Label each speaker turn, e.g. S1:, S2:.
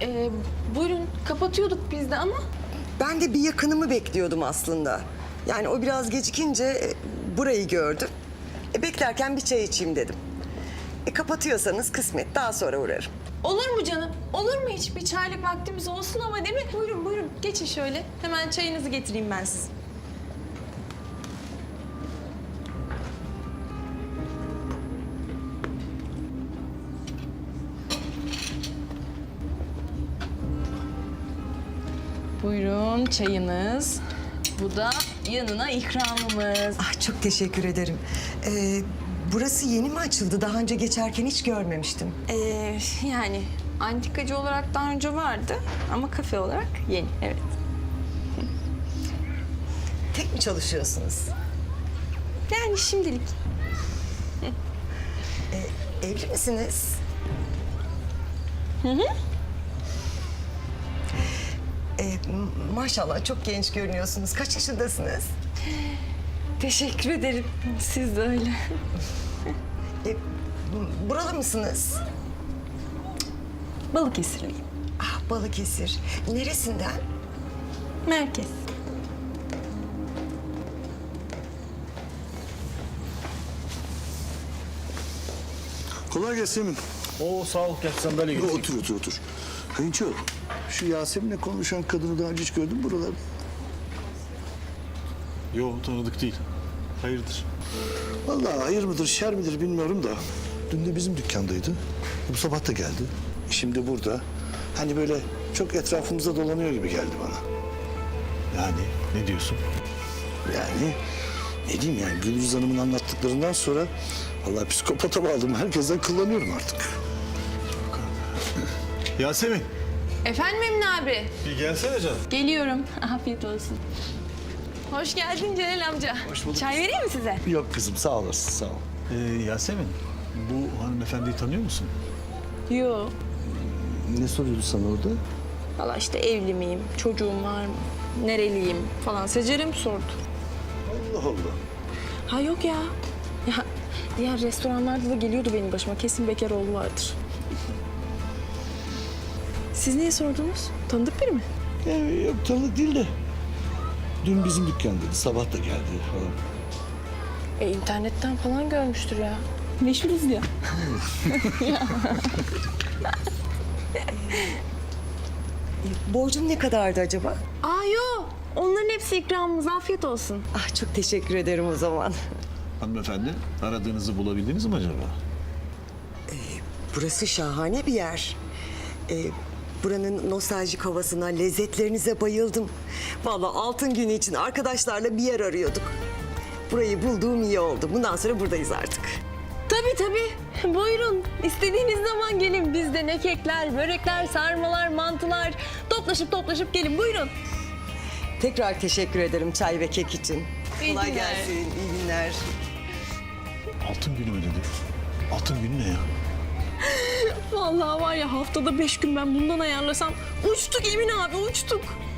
S1: Buyurun, kapatıyorduk biz de ama.
S2: Ben de bir yakınımı bekliyordum aslında. Yani o biraz gecikince burayı gördüm. Beklerken bir çay içeyim dedim. Kapatıyorsanız kısmet, daha sonra uğrarım.
S1: Olur mu canım? Olur mu hiç? Bir çaylık vaktimiz olsun ama değil mi? Buyurun, buyurun. Geçin şöyle. Hemen çayınızı getireyim ben size. Buyurun çayınız. Bu da yanına ikramımız.
S2: Ah, çok teşekkür ederim. Burası yeni mi açıldı? Daha önce geçerken hiç görmemiştim.
S1: Yani antikacı olarak daha önce vardı ama kafe olarak yeni, evet.
S2: Tek mi çalışıyorsunuz?
S1: Yani şimdilik.
S2: Evli misiniz? Maşallah çok genç görünüyorsunuz. Kaç yaşındasınız?
S1: Teşekkür ederim. Siz de öyle.
S2: Buralı mısınız?
S1: Balıkesirliyim.
S2: Ah, Balıkesir. Neresinden?
S1: Merkez.
S3: Kolay gelsin Emin.
S4: Oo sağ ol, gel sandalye getir.
S3: Otur. Kayınço, şu Yasemin'le konuşan kadını daha önce hiç gördün mü buralarda?
S4: Yo, tanıdık değil. Hayırdır?
S3: Vallahi hayır mıdır, şer midir bilmiyorum da. Dün de bizim dükkandaydı. Bu sabah da geldi. Şimdi burada. Hani böyle çok etrafımızda dolanıyor gibi geldi bana.
S4: Yani ne diyorsun?
S3: Yani ne diyeyim yani Gülüz Hanım'ın anlattıklarından sonra vallahi psikopata bağladım. Herkesten kullanıyorum artık.
S4: Yasemin,
S1: Efendim Emin abi?
S4: bir gelsene canım.
S1: Geliyorum. Afiyet olsun. Hoş geldin Celal amca.
S3: Hoş bulduk.
S1: Çay vereyim mi size?
S3: Yok kızım sağ olasın sağ ol.
S4: Yasemin, bu hanımefendiyi tanıyor musun?
S1: Yo.
S3: Ne soruyordu sana orada?
S1: Valla işte evli miyim, çocuğum var mı, nereliyim falan. Secer'im sordu.
S3: Allah Allah.
S1: Ha yok ya. Ya diğer restoranlarda da geliyordu benim başıma. Kesin bekar oğlu vardır. Siz niye sordunuz? Tanıdık biri mi?
S3: Yok tanıdık değil de. Dün bizim dükkandaydı. Sabah da geldi falan.
S1: İnternetten falan görmüştür ya. Meşhuruz ya.
S2: Borcum ne kadardı acaba?
S1: Aa yo. Onların hepsi ikramımız. Afiyet olsun.
S2: Ah, çok teşekkür ederim o zaman.
S4: Hanımefendi, aradığınızı bulabildiniz mi acaba?
S2: Burası şahane bir yer. Buranın nostaljik havasına, lezzetlerinize bayıldım. Vallahi altın günü için arkadaşlarla bir yer arıyorduk. Burayı bulduğum iyi oldu. Bundan sonra buradayız artık.
S1: Tabii tabii. Buyurun. İstediğiniz zaman gelin. Bizde ne kekler, börekler, sarmalar, mantılar. Toplaşıp gelin. Buyurun.
S2: Tekrar teşekkür ederim çay ve kek için.
S1: İyi
S2: Kolay
S1: günler.
S2: gelsin, iyi günler.
S4: Altın günü mü dedi? Altın günü ne ya?
S1: Vallahi var ya haftada 5 gün ben bundan ayarlasam uçtuk Emin abi uçtuk.